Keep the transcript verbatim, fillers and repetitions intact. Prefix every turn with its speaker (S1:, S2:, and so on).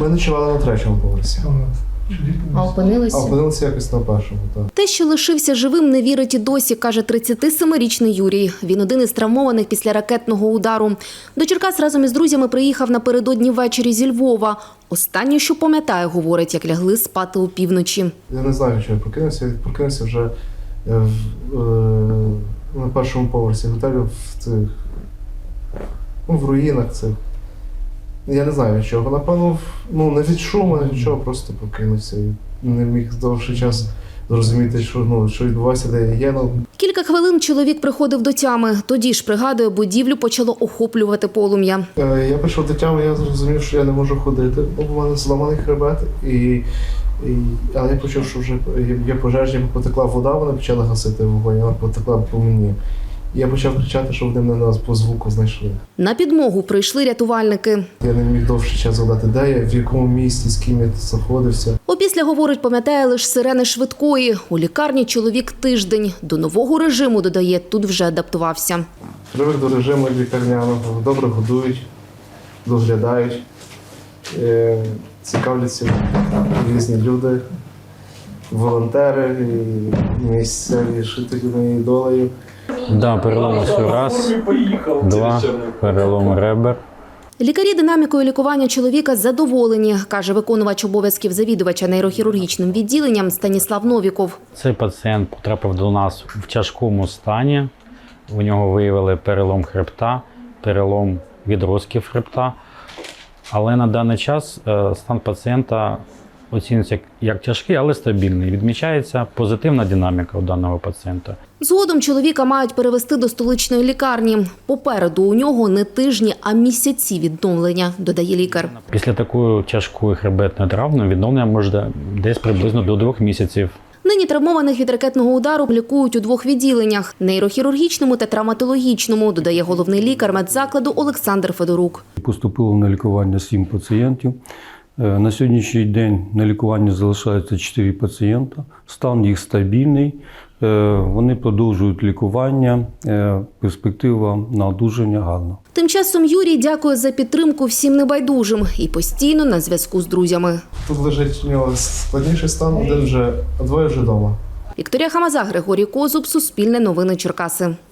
S1: Ми ночували на третьому поверсі.
S2: А опинилися?
S1: А опинилися якось на першому, так.
S2: Те, що лишився живим, не вірить і досі, каже тридцятисемирічний Юрій. Він один із травмованих після ракетного удару. До Черкас разом із друзями приїхав напередодні ввечері зі Львова. Останнє, що пам'ятає, говорить, як лягли спати опівночі.
S1: Я не знаю, що я прокинувся. Я прокинувся вже в, е, на першому поверсі готелю в цих, ну, в руїнах цих. Я не знаю від чого. Напевно, ну, не від шуму, не від чого, просто прокинувся. І не міг довший час зрозуміти, що, ну, що відбувається, де я є. Ну.
S2: Кілька хвилин чоловік приходив до тями. Тоді ж, пригадує, будівлю почало охоплювати полум'я.
S1: Е, Я прийшов до тями, я зрозумів, що я не можу ходити, бо в мене зламаний хребет. І, і, але я почув, що вже є пожежі, потекла вода, вони почали гасити вогонь, вона потекла по мені. Я почав кричати, що вони мене нас по звуку знайшли.
S2: На підмогу прийшли рятувальники.
S1: Я не міг довший час згадати, де я, в якому місті, з ким я знаходився.
S2: Опісля, говорить, пам'ятає лише сирени швидкої. У лікарні чоловік тиждень. До нового режиму, додає, тут вже адаптувався.
S1: Привик до режиму лікарняного, добре годують, доглядають, е, цікавляться різні люди, волонтери, і місцеві жителі моєю долею.
S3: Да, перелом осю раз, два, перелом ребер.
S2: Лікарі динамікою лікування чоловіка задоволені, каже виконувач обов'язків завідувача нейрохірургічним відділенням Станіслав Новіков.
S3: Цей пацієнт потрапив до нас в тяжкому стані. У нього виявили перелом хребта, перелом відростків хребта. Але на даний час стан пацієнта оцінюється як тяжкий, але стабільний. Відмічається позитивна динаміка у даного пацієнта.
S2: Згодом чоловіка мають перевести до столичної лікарні. Попереду у нього не тижні, а місяці відновлення, додає лікар.
S3: Після такої тяжкої хребетної травми відновлення може десь приблизно до двох місяців.
S2: Нині травмованих від ракетного удару лікують у двох відділеннях – нейрохірургічному та травматологічному, додає головний лікар медзакладу Олександр Федорук.
S4: Поступило на лікування сім пацієнтів. На сьогоднішній день на лікуванні залишається чотири пацієнта. Стан їх стабільний. Вони продовжують лікування. Перспектива на одужання гарна.
S2: Тим часом Юрій дякує за підтримку всім небайдужим і постійно на зв'язку з друзями.
S1: Тут лежить у нього складніший стан, один вже, а двоє вже вдома.
S2: Вікторія Хамаза, Григорій Козуб, Суспільне новини Черкаси.